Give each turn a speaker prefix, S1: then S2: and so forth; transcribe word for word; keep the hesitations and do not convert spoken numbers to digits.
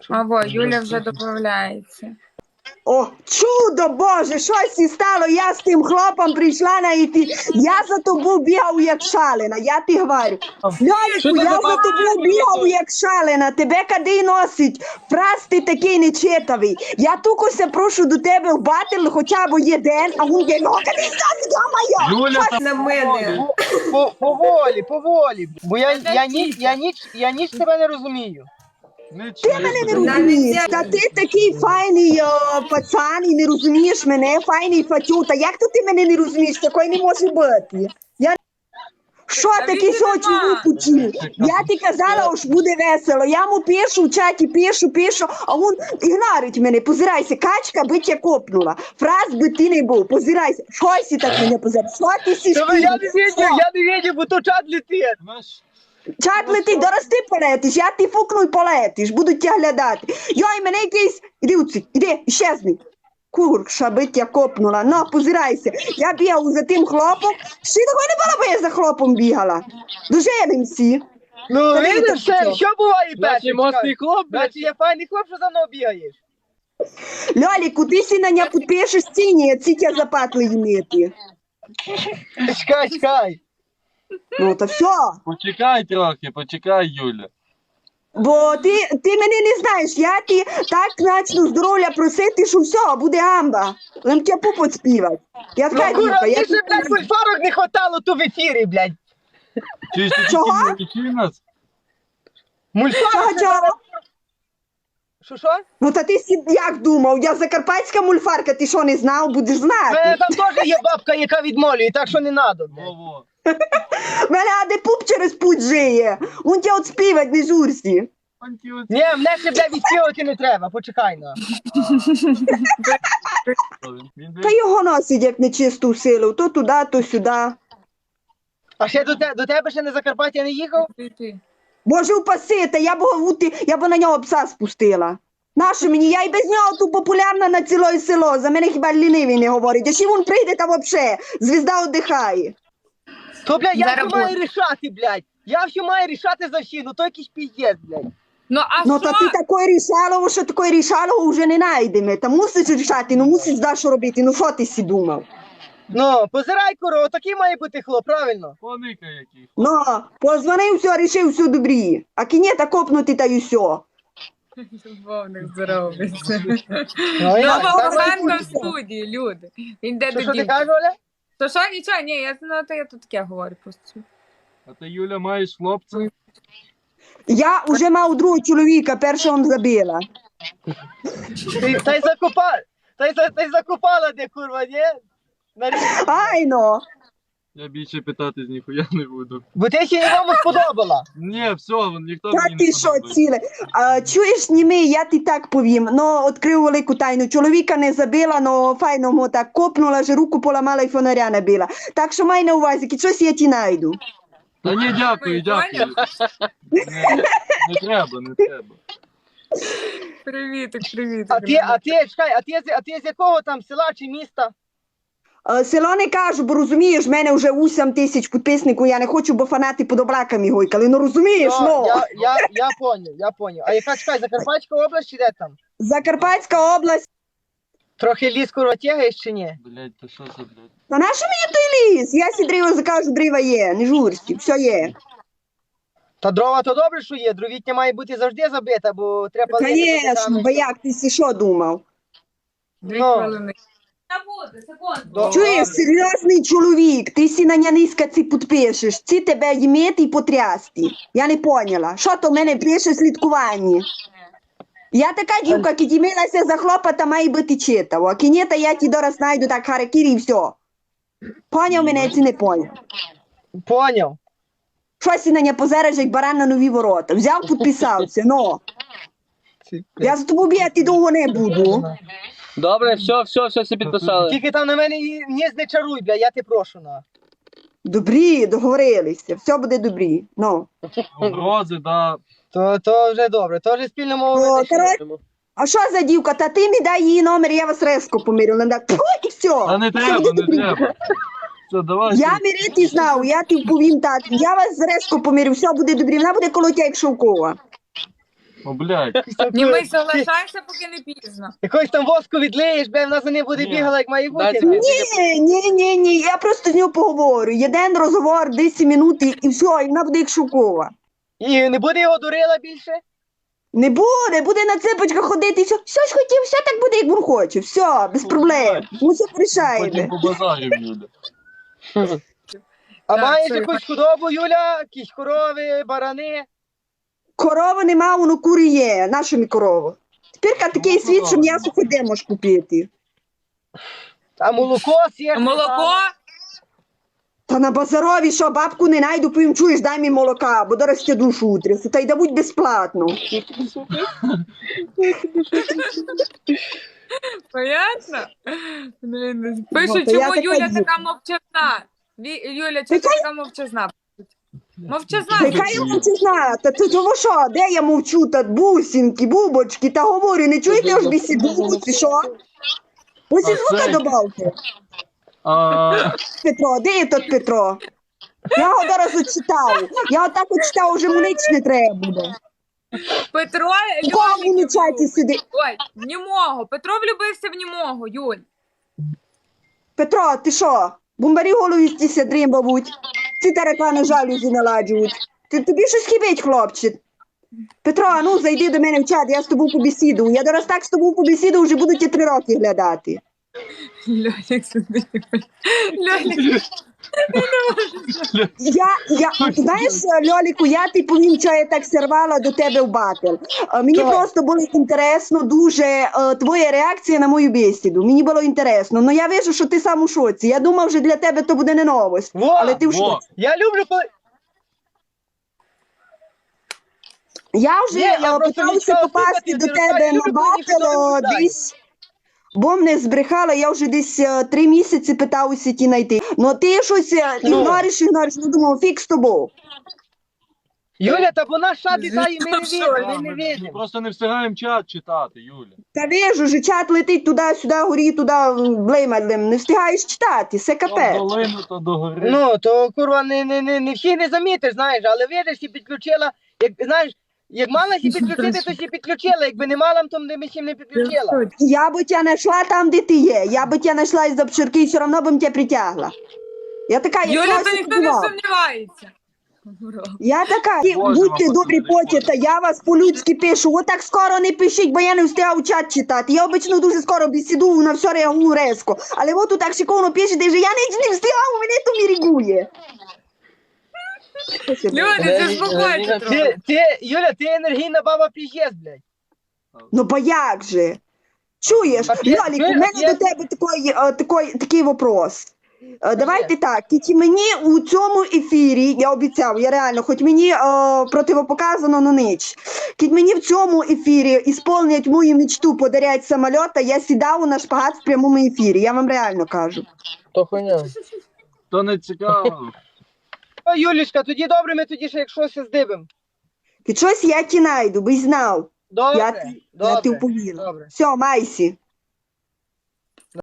S1: А во, Юля вже додається.
S2: О, чудо, Боже, щось і стало, я з тим хлопом прийшла на іти. Я за тобою бігав, як шалена, я ти говорю. Льоліку, я за тобою бігав, як шалена, тебе кади носить. Фраз ти такий нечитавий. Я тукося прошу до тебе в батл хоча б один, а він є, ну, кади носить, йо-моє.
S3: Юля,
S2: Щось
S1: На мене.
S4: По- Поволі, поволі. Бо я, я, ніч, я, ніч, я ніч тебе не розумію.
S3: не
S2: Ти мене не
S3: чуєш.
S2: розумієш, та ти такий файний о, пацан і не розумієш мене, файний фатюта. Як то ти мене не розумієш? Такої не може бути. Я... Що таке що чоловік учив? Я ти казала, що буде весело. Я йому пишу в чаті, пишу, пишу, а він ігнорить мене. Позирайся, качка би тебе копнула. Фраз би ти не був, позирайся. Щось ти так мене позирай. Що ти сі
S4: Та я не відів, я не відів, бо то чат летить.
S3: Знаєш,
S2: Чат летить, дорос ти полетиш, я ти фукну і полетиш, будуть тебе глядати. Йой, мене якийсь, іди уці, іди, іщезни. Курша, би тебе копнула, ну, позирайся. Я бігав за тим хлопом, ще такої не було, бо я за хлопом бігала. Доженимся.
S4: Ну,
S2: Та
S4: видиш,
S2: видно,
S4: все,
S2: що?
S4: що буває перше?
S5: Значить, мощний хлоп, блядь.
S4: Значить, я файний хлоп, що за мною бігаєш.
S2: Льоліку, ти си на нього підпишеш ціні, а ці тебе запатли їмити.
S4: Чекай, чекай.
S2: Ну, то все.
S3: почекай трохи, почекай, Юля.
S2: Бо ти, ти мене не знаєш, я ти так начну здоров'я просити, що все, буде гамба. Лем тебе пупот співати. Я
S4: Ну,
S2: така
S4: кура,
S2: дівка, я
S4: ти ще, блядь, мульфарок не хватало тут в ефірі, блядь.
S3: Чуєш, ти
S2: Чого?
S3: тільки не вчи нас?
S4: Мульфарок.
S2: Чого, чого?
S4: Що, що?
S2: Ну та ти сі- як думав, я закарпатська мульфарка, ти що не знав, будеш
S4: У мене
S2: знати.
S4: там теж є бабка, яка відмолює, так що не надо, блядь.
S3: Во-во.
S2: В мене аде пуп через путь жиє. Он тебе от співать не журсі.
S3: Антіот.
S4: Ні, мене ще, блядь, відспівати не треба, почекай, на.
S3: Він
S2: Та його носить як нечисту силу, то туди, то сюди.
S4: А ще до, те, до тебе ще на Закарпаття не їхав?
S1: Ти, ти.
S2: Боже упаси, та я б, вути- я б на нього пса спустила. Нащо мені? Я і без нього тут популярна на ціле село. За мене хіба лінивий не говорить. А ще він прийде та вообще. Звізда віддихає.
S4: То, блядь, я
S1: Зараз
S4: все маю рішати, блядь. Я все маю рішати за всі, ну то якийсь піздець, блядь.
S1: Ну, а
S2: Ну
S1: що?
S2: та ти такої рішалово, що такої рішалово вже не знайдемо. Та мусиш рішати, ну мусиш знаєш, що робити. Ну що ти сі думав?
S4: Ну, позирай, куро, такий має бути хлоп, правильно?
S3: Поника який.
S2: Ну, позвонив, все, рішив, все добрі. А кінета копнути та й все.
S1: Любовник здоровиться.
S4: Ну, я,
S1: Нова
S4: так має
S1: Оленка в
S4: бути.
S1: студії, люди. Він де
S4: Що,
S1: до
S4: що ти
S1: дівки.
S4: кажеш, Оля?
S1: То що, нічого, ні, я знаю, то я тут таке говорю просто.
S3: А ти, Юля, маєш хлопця?
S2: Я вже мав другого чоловіка, першого он забила.
S4: Ти, та й закопала, та й, за- та й закопала де, курва, ні? На рі-
S2: Ай, ну.
S3: Я більше питати з ніхуя не буду.
S4: Бо ти ще нікому сподобала.
S3: Ні, все, ніхто
S2: Та
S3: мені
S2: ти
S3: не
S2: що,
S3: подобається.
S2: ціле? А, чуєш, німий, я ти так повім. Ну, відкрив велику тайну. Чоловіка не забила, но файно му так копнула, що руку поламала і фонаря набила. Так що май на увазі, ки щось я ті найду.
S3: Та ні, дякую, дякую. Не, не треба, не треба.
S1: Привітик, привітик.
S4: А ти, а ти, чекай, а ти, з- а ти з якого там села чи міста?
S2: А, село не кажу, бо розумієш, в мене вже вісім тисяч підписників, я не хочу, бо фанати під облаками гойкали. Ну розумієш,
S4: Ну,
S2: ну.
S4: я, я, я поняв, я поняв. А яка, чекай, Закарпатська область чи де там?
S2: Закарпатська область.
S4: Трохи ліс, курва, тягаєш чи ні?
S3: Блять, то що за блядь?
S2: Та на що мені той ліс? Я сі дріво закажу, дріва є, не журсті, все є.
S4: Та дрова то добре, що є, дровітня має бути завжди забита, бо треба... палити,
S2: Звісно, бо як ти сі що думав?
S1: Дві
S4: Ну.
S1: хвилини.
S4: До-
S2: Чуєш, серйозний чоловік, ти сі на няниська ці підпишеш, ці тебе їмити і потрясти. Я не поняла, що то в мене пише слідкування. Я така дівка, ки дімилася за хлопа, та має бути читав, а кінета я ті дораз знайду так харакірі і все. Поняв мене, чи не поняв?
S4: Поняв.
S2: Що сі на ня позереш, як баран на нові ворота? Взяв, підписався, ну. Я за тобою бігати довго не буду.
S5: Добре, все, все, все, всі підписали.
S4: Тільки там на мене і ніс не чаруй, бля, я те прошу, на.
S2: Добрі, договорилися, все буде добрі, ну.
S3: Угрози, да.
S4: То, то вже добре, то вже спільно мову
S2: О,
S4: не знайшли.
S2: коротше, а що за дівка? Та ти мені дай її номер, я вас резко помирю. Вона так, пфу, і все.
S3: Та не треба, не треба. Все, давай.
S2: Я мирити знав, я ти повім так, я вас резко помирю, все буде добре, вона буде коло тебе, як шовкова.
S3: О, блядь.
S1: Німий, соглашайся, поки не пізно.
S4: Якось там воску відлиєш, бля, вона за ним буде
S3: Ні.
S4: бігала, як має бути.
S5: Дайте
S4: ну.
S5: мені.
S2: Ні, ні, ні, ні, я просто з нього поговорю. Єдин розговор, десять минут і, і все, і вона буде як шокова.
S4: І не буде його дурила більше?
S2: Не буде, буде на цепочках ходити і все, все ж хотів, все так буде, як він хоче. Все, без проблем. Ми все
S3: Потім
S2: порішаємо.
S3: по базарів, Юля.
S4: А
S1: Так,
S4: маєш
S1: це-
S4: якусь худобу, Юля? Якісь корови, барани?
S2: Корови нема, воно кури є. Наша мені корова. Тепер такий світ, що м'ясо хоч де можеш купити.
S4: А молоко сєш?
S1: Молоко?
S2: Та на базарові, що бабку не найду, потім чуєш, дай мені молока, бо зараз тебе душу утрясу, та й да будь безплатно.
S1: Понятно? Блін, Пишуть,
S2: Ну, то я
S1: чому
S2: така
S1: Юля
S2: дівка.
S1: така мовчазна. Ві- Юля, чому ти така мовчазна? Мовчазна.
S2: Яка я мовчазна? Та це того що? Де я мовчу? Та бусинки, бубочки, та говорю, не чуєте я ж бісіду, чи що? Ось і
S3: А
S2: звука
S3: це-
S2: добавте.
S3: А,
S2: Петро, де є тот Петро? Я його зараз очитав. Я отак очитав, вже мені не треба буде.
S1: Петро
S2: У кого він у
S1: Льолік.
S2: чаті сидить?
S1: Ой, в німого. Петро влюбився в німого, Юль.
S2: Петро, ти що? Бомбарі голові стіся дрім, бабуть. Ці таракани жалюзі наладжують. Ти, тобі щось хибить, хлопче. Петро, а ну зайди до мене в чат, я з тобою побесіду. Я зараз так з тобою побесіду, вже буду ті три роки глядати.
S1: Льолік сидить. Льолік.
S2: Я, я, знаєш, Льоліку, я ти повім, що я так сірвала до тебе в батл. Е, Мені
S4: Так.
S2: просто було інтересно дуже е, твоя реакція на мою бесіду. Мені було інтересно. Ну я вижу, що ти сам у шоці. Я думав, що для тебе то буде не новость.
S4: Во,
S2: Але ти в
S3: во.
S2: шоці.
S4: Я люблю, коли...
S2: Я вже
S4: Ні, я
S2: е,
S4: просто
S2: питалася
S4: відчував
S2: попасти
S4: симпатію,
S2: до
S4: ти
S2: тебе
S4: розкажеш,
S2: на
S4: люблю, коли ніхто не
S2: батл е,
S4: питає.
S2: десь. Бо мене збрехала, я вже десь е, три місяці питалася ті знайти. Ну ти щось е,
S4: Ну.
S2: ігнориш, ігнориш, ну думав, фік з тобою.
S4: Юля, та вона ша літає, ми не
S1: Що?
S4: видимо,
S3: а,
S4: ми не
S3: ми, ми
S4: видимо.
S3: просто не встигаємо чат читати, Юля.
S2: Та вижу, же чат летить туди-сюди, горі, туди, блеймадлем. Не встигаєш читати, все
S3: То
S2: капець.
S3: долину, то до гори.
S4: Ну, то, курва, не, не, не, не всіх не замітиш, знаєш, але видиш, і підключила, як, знаєш, як мала сі підключити, то сі підключила, якби не мала, то ми сі не підключила.
S2: Я би тебе знайшла там, де ти є. Я би тебе знайшла із обширки і все одно б тебе притягла. Я така, я
S1: Юля,
S2: когось
S1: то ніхто не
S2: підбивала.
S1: сумнівається.
S2: Я така, «Ті,
S3: Боже,
S2: будьте
S3: мама,
S2: добрі
S3: ти
S2: поті, та я вас по-людськи пишу. От так скоро не пишіть, бо я не встигав чат читати. Я обично дуже скоро бесіду, на все реагую резко. Але от тут так шиковно пишете, що я не, не встигав, мене то мірігує.
S1: Люля,
S5: Е,
S1: заспокойся
S5: е,
S1: трохи.
S4: Ти, ти, Юля, ти енергійна баба пієс, блядь.
S2: Ну, бо як же? Чуєш,
S4: А є-
S2: Льолік, у
S4: є-
S2: мене
S4: є-
S2: до тебе такий, е, такий, такий вопрос. Е, Давайте так, тільки мені у цьому ефірі, я обіцяв, я реально, хоч мені е, противопоказано, но ніч. Кіть мені в цьому ефірі ісполнять мою мечту подарять самоліта, я сідав на шпагат в прямому ефірі, я вам реально кажу.
S4: То хуйня.
S3: То не цікаво.
S4: О, Юлічка, тоді добре, ми тоді ще як щось здибимо.
S2: Кіть щось я ті найду, би знав.
S4: Добре,
S2: Я, ті- я
S4: добре,
S2: ти вповіла.
S4: добре.
S2: Все, майсі.